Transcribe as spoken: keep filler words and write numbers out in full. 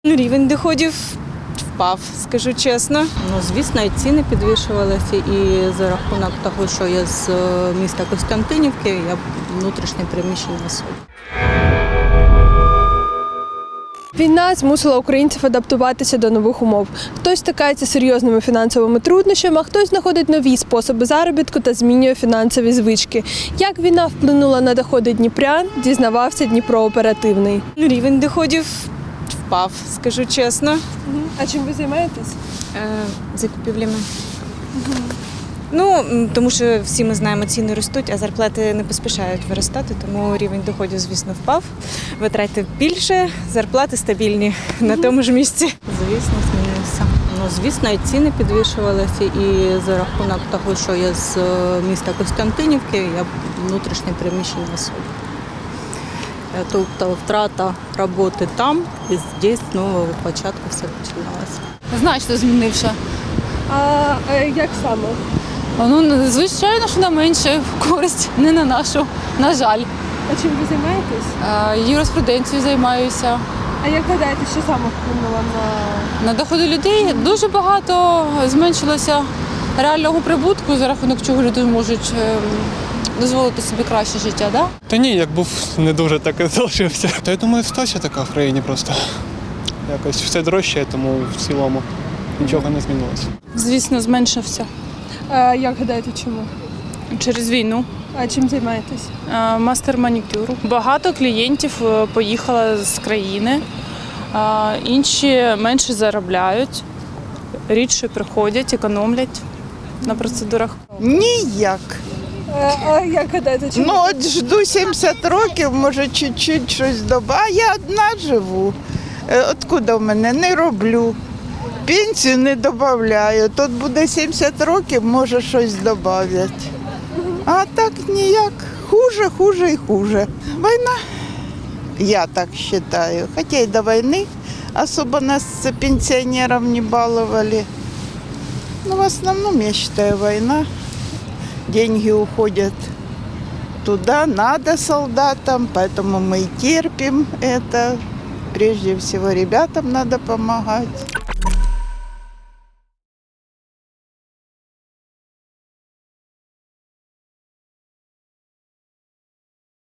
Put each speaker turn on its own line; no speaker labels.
Рівень доходів впав, скажу чесно.
Ну, звісно, і ціни підвищувалися, і за рахунок того, що я з е, міста Костянтинівки, я внутрішньо переміщена особа.
Війна змусила українців адаптуватися до нових умов. Хтось стикається з серйозними фінансовими труднощами, а хтось знаходить нові способи заробітку та змінює фінансові звички. Як війна вплинула на доходи дніпрян, дізнавався Дніпро Оперативний.
Рівень доходів впав, скажу чесно.
А чим ви займаєтесь?
Е, Закупівлями. Ну, м, тому що всі ми знаємо, ціни ростуть, а зарплати не поспішають виростати, тому рівень доходів, звісно, впав. Витрати більше, зарплати стабільні на тому ж місці.
Звісно, змінився. Ну, звісно, і ціни підвищувалися, і за рахунок того, що я з е, міста Костянтинівки, я внутрішньо переміщена особа. Е, Тобто втрата роботи там, і здесь з нового початку все починалося.
Значно змінився.
А як саме?
Ну, звичайно, що на менше користь, не на нашу, на жаль.
А чим ви займаєтесь?
Е, Юриспруденцією займаюся.
А як гадаєте, що саме вплинуло на
На доходи людей дуже багато зменшилося реального прибутку, за рахунок чого люди можуть е, дозволити собі краще життя. Да?
Та ні, як був не дуже так і залишився. Та я думаю, ситуація така в країні просто. Якось все дорожче, тому в цілому нічого не змінилося.
Звісно, зменшився
а, як гадаєте, чому?
через війну.
А чим займаєтесь?
Е, Мастер манікюру. Багато клієнтів е, поїхало з країни, е, інші менше заробляють, рідше приходять, економлять на процедурах.
Ніяк.
А, а як гадаєте, чому?
Ну от жду сімдесят років, може чуть-чуть щось доба. А я одна живу. Е, Откуда в мене? Не роблю. Пенсію не додаю. Тут буде сімдесят років, може щось додати. А так ніяк. Хуже, хуже і хуже. Війна, я так вважаю. Хоча й до війни особо нас пенсіонерів не балували. Ну, в основном, я считаю, война. Деньги уходят туда, надо солдатам, поэтому мы и терпим это. Прежде всего, ребятам надо помогать.